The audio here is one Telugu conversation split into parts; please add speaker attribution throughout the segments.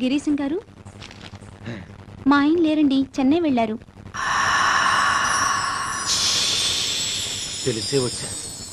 Speaker 1: గిరీశం గారు, మా ఆయన లేరండి, చెన్నై వెళ్ళారు.
Speaker 2: తెలిసే వచ్చా.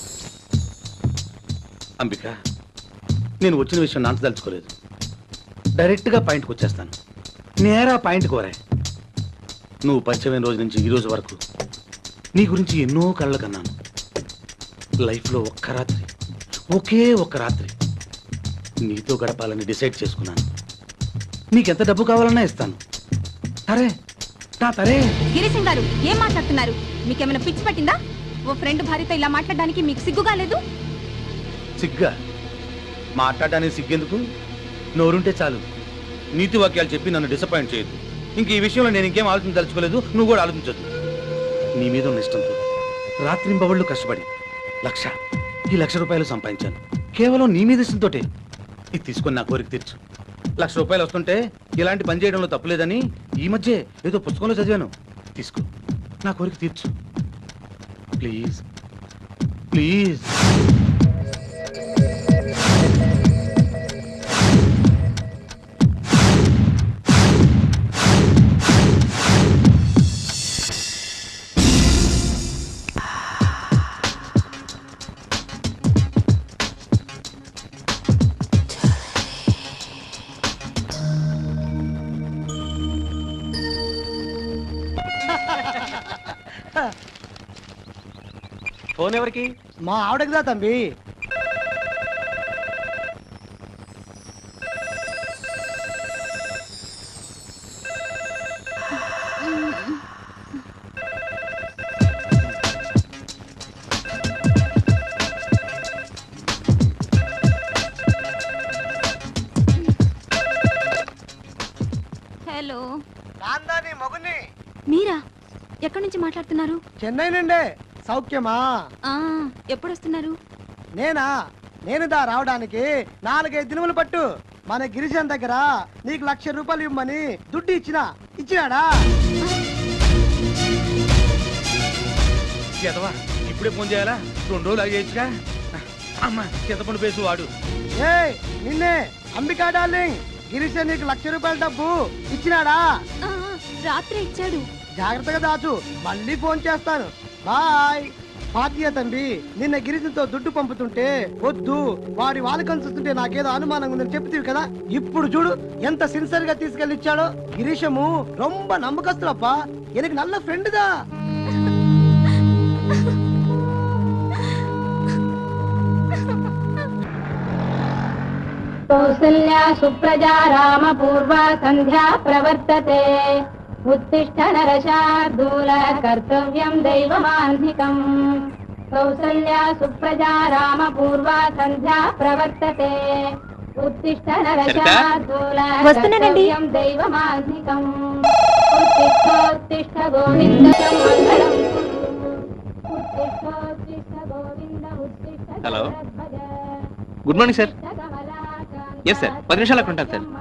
Speaker 2: అంబిక, నేను వచ్చిన విషయం నాంత తలుచుకోలేదు. డైరెక్ట్గా పాయింట్కి వచ్చేస్తాను. నేరా పాయింట్ కోరా. నువ్వు పరిచయమైన రోజు నుంచి ఈ రోజు వరకు నీ గురించి ఎన్నో కళ్ళ కన్నాను. లైఫ్లో ఒక్క రాత్రి, ఒకే ఒక్క రాత్రి నీతో గడపాలని డిసైడ్ చేసుకున్నాను. నీకెంత డబ్బు కావాలన్నా ఇస్తాను. తరే నా తరే.
Speaker 1: గిరీశం గారు, ఏం మాట్లాడుతున్నారు? మీకేమైనా పిచ్చి పట్టిందా? ఓ ఫ్రెండ్ భార్యతో ఇలా మాట్లాడడానికి మీకు సిగ్గుగా లేదు?
Speaker 2: సిగ్గా? మాట్లాడడానికి సిగ్గెందుకు? నోరుంటే చాలు. నీతి వాక్యాలు చెప్పి నన్ను డిసప్పాయింట్ చేయొద్దు. ఇంక ఈ విషయంలో నేను ఇంకేం ఆలోచించదలుచుకోలేదు. నువ్వు కూడా ఆలోచించొద్దు. నీ మీద ఉన్న ఇష్టంతో రాత్రింబవళ్ళు కష్టపడి ఈ 1,00,000 రూపాయలు సంపాదించాను. కేవలం నీ మీద ఇష్టంతోటే. ఇది తీసుకొని నా కోరిక తీర్చు. 1,00,000 రూపాయలు వస్తుంటే ఇలాంటి పని చేయడంలో తప్పులేదని ఈ మధ్య ఏదో పుస్తకంలో చదివాను. తీసుకో, నా కోరిక తీర్చు ప్లీజ్. ప్లీజ్.
Speaker 3: ఫోన్ ఎవరికి?
Speaker 4: మా ఆవిడకిదా తంబి.
Speaker 1: హలో.
Speaker 4: కాందాని మొగుని.
Speaker 1: మీరా? ఎక్కడి నుంచి మాట్లాడుతున్నారు?
Speaker 4: చెన్నై నుండే. సౌఖ్యమా?
Speaker 1: ఎప్పుడు వస్తున్నారు?
Speaker 4: నేను రావడానికి 4-5 దినములు పట్టు. మన గిరిజన్ దగ్గర నీకు 1,00,000 రూపాయలు ఇవ్వమని దుడ్డు ఇచ్చినాడా?
Speaker 2: ఇప్పుడే ఫోన్ చేయాలా? 2 రోజులు అయ్యేచ్చుగా. అమ్మా, చింతపండు పేసు వాడు.
Speaker 4: నిన్నే అంబికా డార్లింగ్. గిరిజన్ నీకు 1,00,000 రూపాయల డబ్బు ఇచ్చినాడా?
Speaker 1: రాత్రి ఇచ్చాడు.
Speaker 4: జాగ్రత్తగా దాచు. మళ్ళీ ఫోన్ చేస్తాను. బాయ్. పార్టీయ తంబి, నిన్న గిరిజన్తో దుడ్డు పంపుతుంటే వద్దు, వాడి వాళ్ళకం చూస్తుంటే నాకేదో అనుమానంగా ఉందని చెప్తీవి కదా. ఇప్పుడు చూడు ఎంత సిన్సియర్ గా తీసుకెళ్లి ఇచ్చాడో. గిరీశము రొంబ నమ్మకస్తులప్ప. ఎనకు నల్ల ఫ్రెండ్ దా.
Speaker 5: కౌసల్యా సుప్రజా రామ పూర్వ సంధ్యా ప్రవర్తతే. उत्तिष्ठ नरशार्दूल कर्तव्यं दैवमान्धिकम्. कौसल्या सुप्रजा राम पूर्वा संध्या प्रवर्तते. उत्तिष्ठ नरशार्दूल कर्तव्यं दैवमान्धिकम्. उत्तिष्ठ गोविन्द मङ्गलम् कुरु. उत्तिष्ठ गोविन्द उत्तिष्ठ.
Speaker 3: Hello, good morning sir. Yes sir, 10 నిమిషాలు అక్కడ ఉంటాను సార్.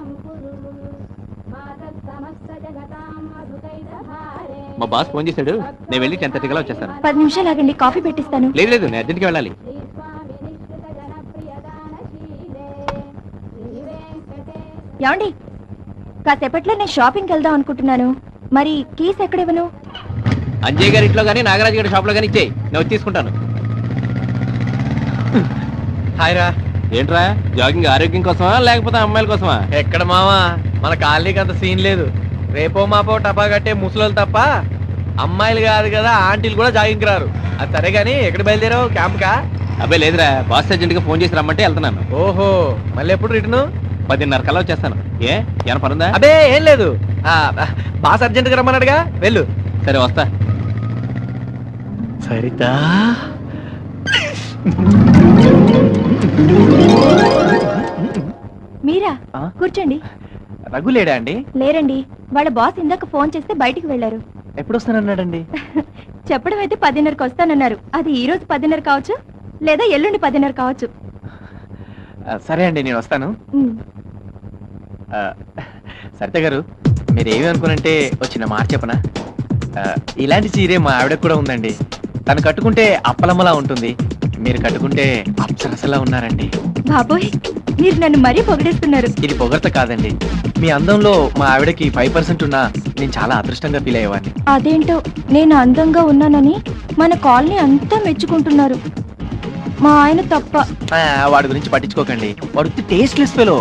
Speaker 3: మా బాస్ ఫోన్ చేశాడు. నేను వెళ్ళి 10:30 కల్లా వచ్చేస్తాను.
Speaker 1: 10 నిమిషాలు ఆగండి, కాఫీ పెట్టిస్తాను.
Speaker 3: లేదు, నేను అర్జెంట్గా వెళ్ళాలి.
Speaker 1: ఏమండి, కాసేపట్లో నేను షాపింగ్కి వెళ్దాం అనుకుంటున్నాను. మరి కీస్ ఎక్కడివ్వను?
Speaker 3: అంజయ్ గారి ఇంట్లో కానీ నాగరాజు గారి షాప్లో కానీ ఇచ్చేయి, నేను వచ్చి తీసుకుంటాను. హాయ్ రా. ఏంట్రా, జాగింగ్ ఆరోగ్యం కోసమా లేకపోతే అమ్మాయిల కోసమా?
Speaker 6: ఎక్కడ మావా, మన కాలనీకి అంత సీన్ లేదు. రేపో మాపో టపా కట్టే ముసలోళ్ళు తప్ప అమ్మాయిలు కాదు కదా, ఆంటీలు కూడా జాగింగ్కి రారు. అది సరే గానీ ఎక్కడ బయలుదేరావు? క్యాంప్కా?
Speaker 3: అబ్బాయి లేదురా, బాస్ అర్జెంట్గా ఫోన్ చేసి రమ్మంటే వెళ్తున్నాను.
Speaker 6: ఓహో, మళ్ళీ ఎప్పుడు రిటర్ను?
Speaker 3: 10:30 కల్లా వచ్చేస్తాను. ఏమైనా పనుందా?
Speaker 6: అదే ఏం లేదు, బాస్ అర్జెంట్గా రమ్మన్నాడుగా, వెళ్ళు.
Speaker 3: సరే వస్తా.
Speaker 6: సరితా
Speaker 1: మీరా? కూర్చోండి.
Speaker 6: రఘు లేడా అండి?
Speaker 1: లేరండి, వాళ్ళ బాస్ ఇందాక ఫోన్ చేస్తే బయటికి వెళ్లారు.
Speaker 6: ఎప్పుడు వస్తానన్నాడండి?
Speaker 1: చెప్పడం అయితే 10:30కి వస్తానన్నారు. అది ఈ రోజు 10:30 కావచ్చు, లేదా ఎల్లుండి 10:30 కావచ్చు.
Speaker 6: సరే అండి, నేను వస్తాను. సరిత గారు, మీరేమి అనుకునంటే వచ్చిన మాట చెప్పనా? ఇలాంటి చీరే మా ఆవిడకు కూడా ఉందండి. తను కట్టుకుంటే అప్పలమ్మలా ఉంటుంది, మీరు కట్టుకుంటే అప్సరసలా ఉన్నారండి.
Speaker 1: బాబోయ్, మీరు నన్ను మరీ పొగిడేస్తున్నారు.
Speaker 6: ఇది పొగడ్త కాదండి, మీ అందంలో మా ఆవిడకి 5% ఉన్నా నేను చాలా అదృష్టంగా ఫీల్ అయ్యేవాడిని.
Speaker 1: అదేంటో నేను అందంగా ఉన్నానని మన కాలనీ అంతా మెచ్చుకుంటున్నారు, మా ఆయన తప్ప.
Speaker 6: వాడి గురించి పట్టించుకోకండి, వాడు టేస్ట్లెస్ ఫెలో.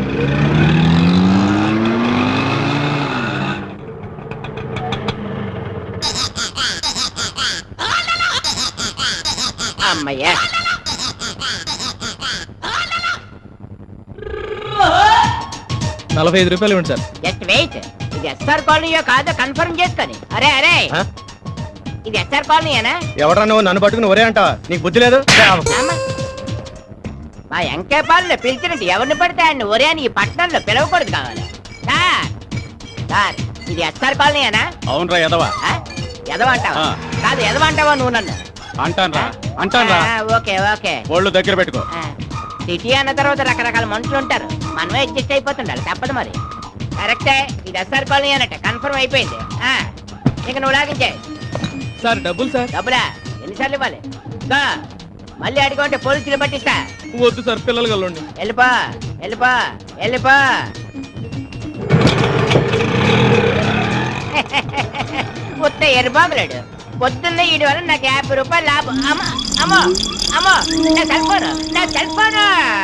Speaker 7: అమ్మయ్యా,
Speaker 6: 45 రూపాయలు ఇవ్వండి సార్.
Speaker 7: Just wait. ఇది ఎస్ఆర్ కాలనీయో కాదో కన్ఫర్మ్ చేసుకొని. అరే అరే, ఇది ఎస్ఆర్ కాలనీయేనా?
Speaker 2: ఎవడన్నా నువ్వు నన్ను పట్టుకుని ఒరే అంటావా? నీకు బుద్ధి లేదు?
Speaker 7: అమ్మ, మా ఎంకేపాలను పిలిచినట్టు ఎవరిని పడితే ఆయన ఒరే అని ఈ పట్టణంలో పిలవకూడదు కావాలి. సార్ సార్, ఇది ఎస్ఆర్ కాలనీయేనా?
Speaker 2: అవునరా ఎదవా.
Speaker 7: ఎదవంటావా? కాదు, ఎదవంటావా నువ్వు నన్ను?
Speaker 2: అంటాన్రా
Speaker 7: ఓకే ఓకే.
Speaker 2: ఒళ్ళు దగ్గర పెట్టుకో.
Speaker 7: సిటీ అన్న తర్వాత రకరకాల మనుషులు ఉంటారు, మనమే అడ్జస్ట్ అయిపోతుండాలి, తప్పదు మరి. కరెక్టే, ఇది ఎస్ఆర్ కాలనీ అన్నట్టు కన్ఫర్మ్ అయిపోయింది. ఇక నువ్వు లాగించే.
Speaker 6: సార్ డబ్బులు సార్.
Speaker 7: డబ్బులా? ఎన్నిసార్లు ఇవ్వాలి? ఇంకా మళ్ళీ అడిగంటే పోలీసులు పట్టిస్తా.
Speaker 6: వద్దు సార్, పిల్లలు కలండి.
Speaker 7: వెళ్ళిపో వెళ్ళిపో వెళ్ళిపో. ఉత్త ఎరుబాబులాడు. పొద్దున్న వీడి వల్ల నాకు 50 రూపాయలు లాభం. అమ్మో అమ్మో అమ్మో, నా సెల్ ఫోన్, నా సెల్ ఫోన్.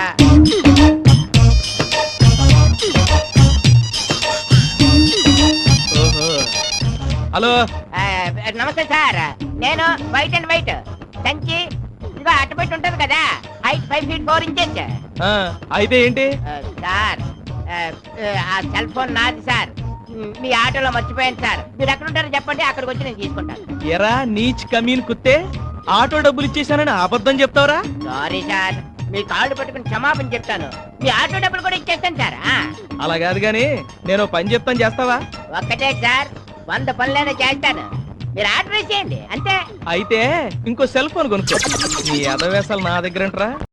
Speaker 6: హలో,
Speaker 7: నమస్తే సార్, నేను వైట్ అండ్ వైట్ సంచి ఇదిగో అట్టబెట్టి ఉంటది కదా, హైట్ 5 feet 4 inches.
Speaker 6: అయితే ఏంటి?
Speaker 7: సార్, ఆ సెల్ ఫోన్ నాది సార్, మీ ఆటోలో మర్చిపోయాను సార్. మీరు ఎక్కడ ఉంటారో చెప్పండి, అక్కడికి వచ్చి నేను తీసుకుంటాను.
Speaker 6: ఎరా నీచ్ కమీన్ కుత్తే, ఆటో డబ్బులు ఇచ్చేసానని అబద్ధం చెప్తావరా?
Speaker 7: సారీ సార్, మీ కాళ్ళు పట్టుకుని క్షమాపణ చెప్తాను. మీ ఆటో డబ్బులు కూడా ఇచ్చేస్తాను సార్.
Speaker 6: అలా కాదు గాని నేను పని చెప్తాను, చేస్తావా?
Speaker 7: ఒక్కటే సార్, 100 పనులైనా చేస్తాను, మీరు ఆర్డర్ చేయండి అంతే.
Speaker 6: అయితే ఇంకో సెల్ ఫోన్ కొనుక్కో. నీ అదవేశాలు నా దగ్గర